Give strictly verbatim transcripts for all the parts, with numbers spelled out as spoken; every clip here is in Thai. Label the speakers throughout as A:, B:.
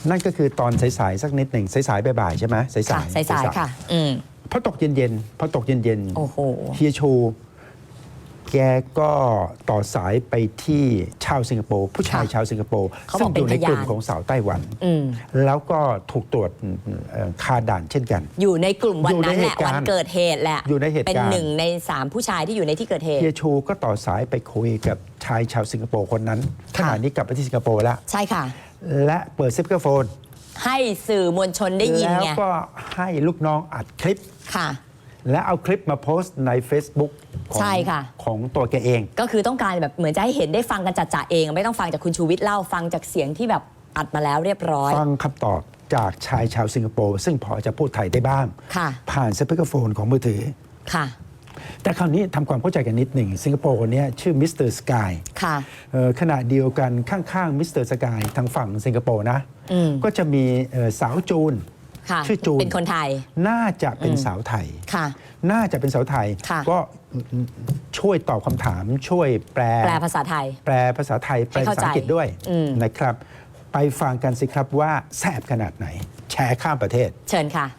A: นั่นก็คือตอนสายๆสักนิดหนึ่งสายๆบ่ายๆใช่ไหมสายๆ
B: ค่ะสายๆค่ะอืม
A: พอตกเย็นๆพอตกเย็นๆ
B: โอ้โห
A: เฮียชูแกก็ต่อสายไปที่ชาวสิงคโปร์ผู้ชาย
B: ค่ะ
A: ชาวสิงคโปร์
B: เขาบ
A: ซึ่
B: อง ก
A: อ
B: เป็น
A: ยู่ในกลุ่ม
B: พยาน
A: ของสาวไต้หวัน
B: อืม
A: แล้วก็ถูกตรวจเอ่อคาด่านเช่นกัน
B: อยู่ในกลุ่มวันนั้นแหละ
A: อยู่ในเหตุการณ์
B: วันเกิดเหตุแหละ
A: อยู่ในเหตุการณ์
B: เป็นหนึ่งในสามผู้ชายที่อยู่ในที่เกิดเหตุ
A: เฮียชูก็ต่อสายไปคุยกับชายชาวสิงคโปร์คนนั้นข
B: ค่ะ
A: ณะนี้กลับไปที่สิงคโปร์แล้ว
B: ใช่ค่ะ และ
A: และเปิดสปีกเกอร์โฟน
B: ให้สื่อมวลชนได้ยิน
A: แล้ว
B: ไง
A: ก็ให้ลูกน้องอัดคลิป
B: ค่ะ
A: และเอาคลิปมาโพสต์ใน Facebook ของ
B: ใช่ค่ะ
A: ของตัวแกเอง
B: ก็คือต้องการแบบเหมือนจะให้เห็นได้ฟังกันจัดๆเอง ไม่ต้องฟังจากคุณชูวิทย์เล่าฟังจากเสียงที่แบบอัดมาแล้วเรียบร้อย
A: ฟังคำตอบจากชายชาวสิงคโปร์ซึ่งพอจะพูดไทยได้บ้าง
B: ค่ะ
A: ผ่านสปีกเกอร์โฟนของมือถือ
B: ค่ะ
A: แต่คราวนี้ทำความเข้าใจกันนิดหนึ่งสิงคโปร์คนนี้ชื่อมิสเตอร์สกาย
B: ค่ะ
A: ขณะเดียวกันข้างๆมิสเตอร์สกายทางฝั่งสิงคโปร์นะ
B: อืม
A: ก็จะมีเอ่อสาวจูน
B: ค่ะ
A: ชื่อจูน
B: เป็นคนไทย
A: น่าจะเป็น
B: อืม
A: สาวไทย
B: ค่ะ
A: น่าจะเป็นสาวไทย
B: ค่ะ
A: ก็ช่วยตอบคำถามช่วยแปล
B: แปลภาษาไทย
A: แปลภาษาไทยแปล
B: ให้
A: ภา
B: เข้า
A: ษาอังกฤษด้วย
B: อืม
A: นะครับ ไปฟังกันสิครับว่าแสบขนาดไหน แชร์ข้ามประเทศ
B: เชิญค่ะ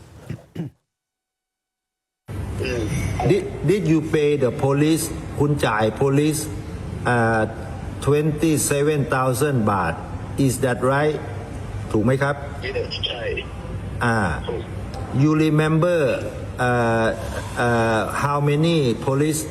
C: Did, did you pay the police คุณจ่าย police uh, twenty-seven thousand บาท is that right ถูกไหมครับ
D: Yes ใช่
C: อ่า you remember uh, uh, how many police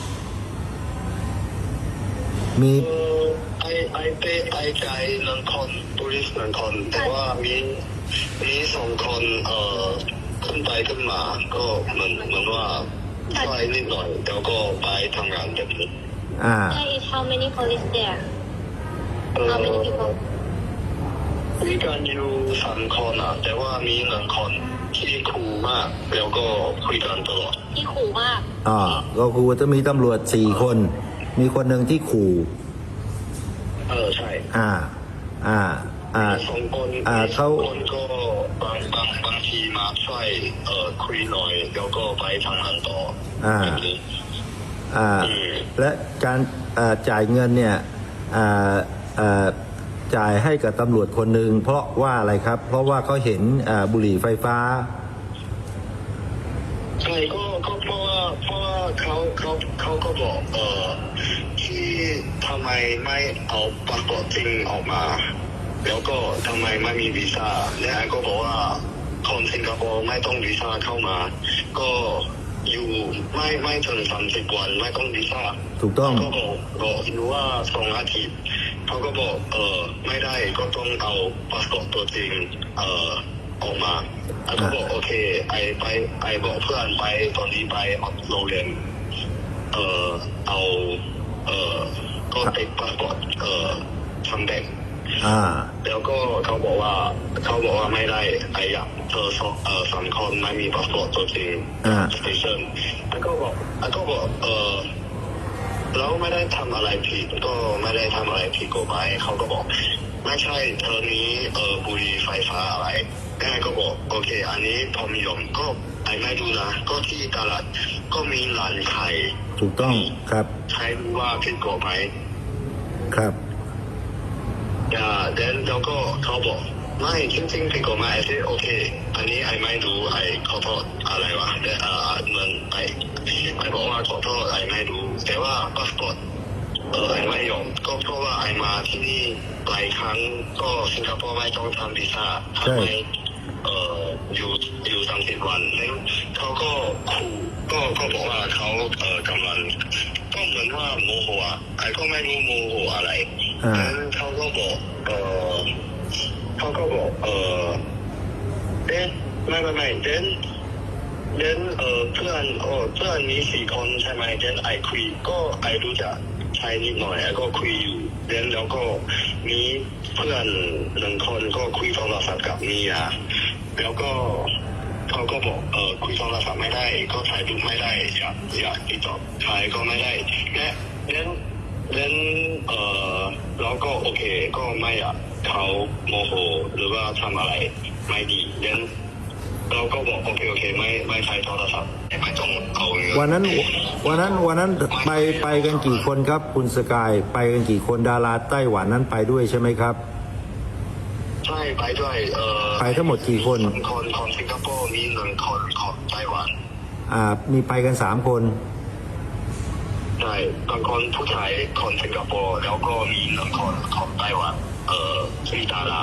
C: มี
D: เออไอไอเปไอใจายหนึ่งคน police หนึ่งคน แต่ว่ามีมีสองคนเอ่อขึ้นไปขึ้นมา ก็เหมือนเหมือนว่าช่วยนิดหน่อยแล้วก็ไปทำงานแบบนี้
C: อ่า
E: There is how many police there?
D: เออ
E: How many people?
D: มีกันอยู่สามคนอ่ะ แต่ว่ามีหนึ่งคนที่คูลมาก แล้วก็คุยกันตลอด
E: ที่ขู่มาก
C: อ่า ก็คือว่าจะมีตำรวจสี่คน มีคนหนึ่งที่ขู่
D: เออใช่
C: อ่า อ่า อ่า
D: สองคน
C: อ่าเขา
D: สองคนก็บางบางบางทีมาช่วยเอ่อคุยหน่อยแล้วก็ไปทำงานต่ออา แบบนี้
C: อ่า
D: อืม
C: และการอ่าจ่ายเงินเนี่ยอ่าอ่าจ่ายให้กับตำรวจคนหนึ่งเพราะว่าอะไรครับ เพราะว่าเขาเห็นอ่าบุหรี่ไฟฟ้า
D: ใช่ก็ก็เพราะว่าเพราะว่าเขาเขาเขาก็บอกเออที่ทำไมไม่เอาพาสปอร์ตจริงออกมา แล้วก็ทำไมไม่มีวีซ่าและไอ้ก็บอกว่าคนสิงคโปร์ไม่ต้องวีซ่าเข้ามา ก็อยู่ไม่ไม่ถึงสามสิบวันไม่ต้องวีซ่า
C: ถูกต้อง
D: ก็บอกบอกอยู่ว่าสองอาทิตย์เขาก็บอกเออไม่ได้ก็ต้องเอาพาสปอร์ตตัวจริงเออออกมาแล้วก็บอกโอเคไอไปไอบอกเพื่อนไปตอนนี้ไปโรงเรียนเออเอาเออก็ติดพาสปอร์ตเออทำแดง
C: อ่า
D: แล้วก็เขาบอกว่าเขาบอกว่าไม่ได้ไออยากเธอสองเออสามคนไม่มีพาสปอร์ตตัวจริง
C: อ่า
D: สเตชันแล้วก็บอกแล้วก็บอกเออเราไม่ได้ทำอะไรผิดก็ไม่ได้ทำอะไรผิดกฎหมายเขาก็บอกไม่ใช่เธอนี้เออบุหรี่ไฟฟ้าอะไรแม่ก็บอกโอเคอันนี้พอมียมก็ไอไม่ดูนะก็ที่ตลาดก็มีร้านขาย
C: ถูกต้องครับ
D: ใช้ว่าผิดกฎหมาย
C: ครับ
D: อ่าเดนแล้วก็เขาบอกไม่จริงๆผิดกฎหมายที่โอเคอันนี้ไอไม่รู้ไอขอโทษอะไรวะแต่อ่าเหมือนไอไอบอกว่าขอโทษไอไม่รู้แต่ว่าพาสปอร์ตเออไอไม่ยอมก็เพราะว่าไอมาที่นี่หลายครั้งก็สิงคโปร์ไม่ต้องทำวีซ่าทำไมเอออยู่อยู่สามสิบวันแล้วเขาก็ขู่ก็ก็บอกว่าเขาเออกำลังก็เหมือนว่าโมโหอ่ะไอก็ไม่รู้โมโหอะไร
C: อ่า
D: แล้วเขาก็บอกเออเขาก็บอกเออเดนไม่ไม่ไม่เดนเดนเออเพื่อนเออเพื่อนมีสี่คนใช่ไหมเดนไอคุยก็ไอรู้จักใช้นิดหน่อยไอก็คุยอยู่เดนแล้วก็มีเพื่อนหนึ่งคนก็คุยโทรศัพท์กับเมียแล้วก็เขาก็บอกเออคุยโทรศัพท์ไม่ได้ก็ถ่ายรูปไม่ได้อยากอยากติดต่อถ่ายก็ไม่ได้และเดนเดนเออแล้วก็โอเคก็ไม่อยากเขาโมโหหรือว่าทำอะไรไม่ดีเดนเราก็บอกโอเคโอเคไม่ไม่ใช้โทรศัพท์ไม่ต้องเอาเงิน
C: วันนั้นวันนั้นวันนั้นไปไปกันกี่คนครับ คุณสกายไปกันกี่คนดาราไต้หวันนั้นไปด้วยใช่ไหมครับ
D: ใช่ไปด้วยเออ
C: ไปทั้งหมดกี่คน
D: หนึ่งคนของสิงคโปร์มีหนึ่งคนของไต้หวัน
C: อ่ามีไปกันสามคน
D: ใช่บางคนผู้ชายคนสิงคโปร์แล้วก็มีหนึ่งคนของไต้หวันเออสีดารา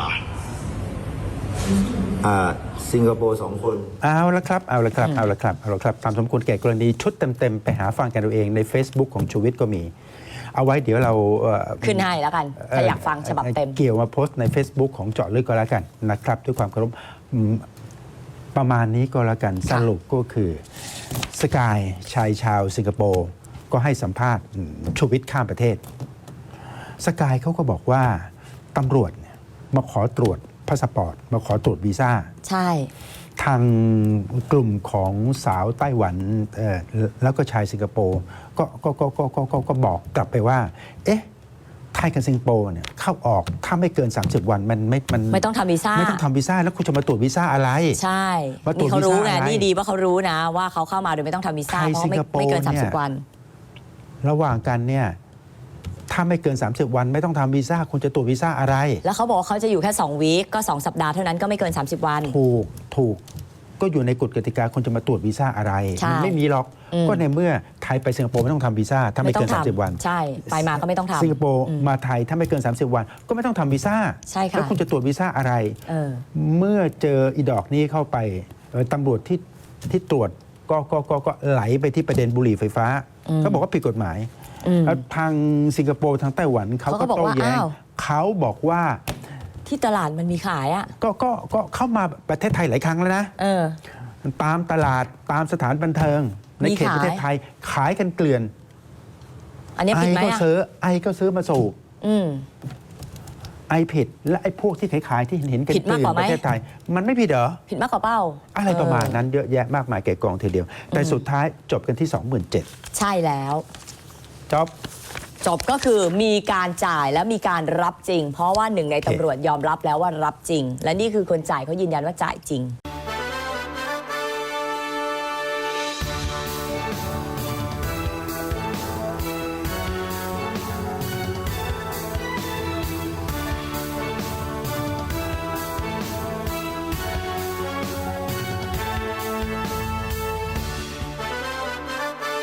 C: อ่าสิงคโปร์สองคน
A: เอาละครับเอาละครับเอาละครับเอาละครับตามสมควรแก่กรณีชุดเต็มๆไปหาฟังกันเอาเองใน Facebook ของชูวิทย์ก็มี เอาไว้เดี๋ยวเราเอ่อ
B: ขึ้นให้แล้วกันถ้าอยากฟังฉบับเต็ม
A: เกี่ยวมาโพสต์ใน Facebook ของเจาะลึกก็แล้วกันนะครับด้วยความเคารพอืมประมาณนี้ก็แล้วกันสรุปก็คือสกายชายชาวสิงคโปร์ก็ให้สัมภาษณ์อืมชูวิทย์ข้ามประเทศสกายเขาก็บอกว่าตำรวจเนี่ยมาขอตรวจพาสปอร์ตมาขอตรวจวีซ่า
B: ใช่
A: ทางกลุ่มของสาวไต้หวันเอ่อแล้วก็ชายสิงคโปร์ก็ก็ก็ก็ก็ก็ก็บอกกลับไปว่า เอ๊ะไทยกับสิงคโปร์เนี่ยเข้าออกถ้าไม่เกิน สามสิบ วันมันไม่มัน
B: ไม่ต้องทำวีซ่า
A: ไม่ต้องทำวีซ่าแล้วคุณจะมาตรวจวีซ่าอะไร
B: ใช่
A: ว่าตรวจ
B: นี่เขารู้ไง
A: วีซ่าอะไร
B: นี่ดีว่าเขารู้นะ ว่าเขาเข้ามาโดยไม่ต้องทำวีซ่า
A: ไทย
B: เพราะไม่
A: สิงคโปร์
B: ไม่เกิน
A: เนี่ย
B: สามสิบ วัน
A: ระหว่างกันเนี่ยถ้าไม่เกิน สามสิบ วันไม่ต้องทำวีซ่าคุณจะตรวจวีซ่าอะไร
B: แล้วเขาบอกว่าเขาจะอยู่แค่สองวีคก็สองสัปดาห์เท่านั้นก็ไม่เกิน สามสิบ วัน
A: ถูกถูกก็อยู่ในกฎกติกาคุณจะมาตรวจวีซ่าอะไร
B: ใช่
A: มัไม่มีหรอก
B: อืม
A: ก็ในเมื่อไทยไปสิงคโปร์ไม่ต้องทำวีซ่าถ้าไม่เกิน
B: ไม่ต้อง
A: สามสิบ
B: ทำ
A: วัน
B: ใช่ไปมาก็ไม่ต้องทำ
A: สิงคโปร์
B: อืม
A: มาไทยถ้าไม่เกิน สามสิบ วัน ก็ไม่ต้องทำวีซ่า
B: ใช่ค่ะ
A: แล้วคุณจะตรวจวีซ่าอะไร
B: เออ
A: เมื่อเจออีดอกนี้เข้าไปเอ่อตำรวจที่ที่ตรวจก็ก็ก็ก็ไหลไปที่ประเด็นบุหรี่ไฟฟ้า
B: อืม
A: เขาบอกว่าผิดกฎหมาย
B: อืม
A: แล้วทางสิงคโปร์ทางไต้หวันเขา
B: เขาก็
A: ก็
B: บอก
A: โต้
B: ว่า
A: แย้ง
B: อ้าว
A: เขาบอกว่า
B: ที่ตลาดมันมีขายอ่ะ
A: ก็ก็ก็เข้ามาประเทศไทยหลายครั้งแล้วนะ
B: เออ
A: ตามตลาดตามสถานบันเทิง ใน
B: มี
A: เขต
B: ขาย
A: ประเทศไทยขายกันเกลื่อน
B: อันนี้
A: ไอ
B: ผิดไหม
A: ก็
B: อ่ะ
A: ซื้อไอก็ซื้อมาสูบ
B: อืม
A: ไอผิดและไอพวกที่ขายขายๆที่เห็นกัน
B: ผิดมากกว่าไหม
A: ประเทศไทย มันไม่ผิดเหรอ
B: ผิดมากกว่าเป้า
A: อะไรประมาณ
B: เออ
A: นั้นเยอะแยะมากมายแก่กองทีเดียว แต่สุดท้ายจบกันที่ สองหมื่นเจ็ดพัน
B: ใช่แล้ว
A: จบ
B: จบก็คือมีการจ่ายและมีการรับจริง เพราะว่าหนึ่งในตำรวจยอมรับแล้วว่ารับจริง และนี่คือคนจ่ายเขายืนยันว่าจ่ายจริง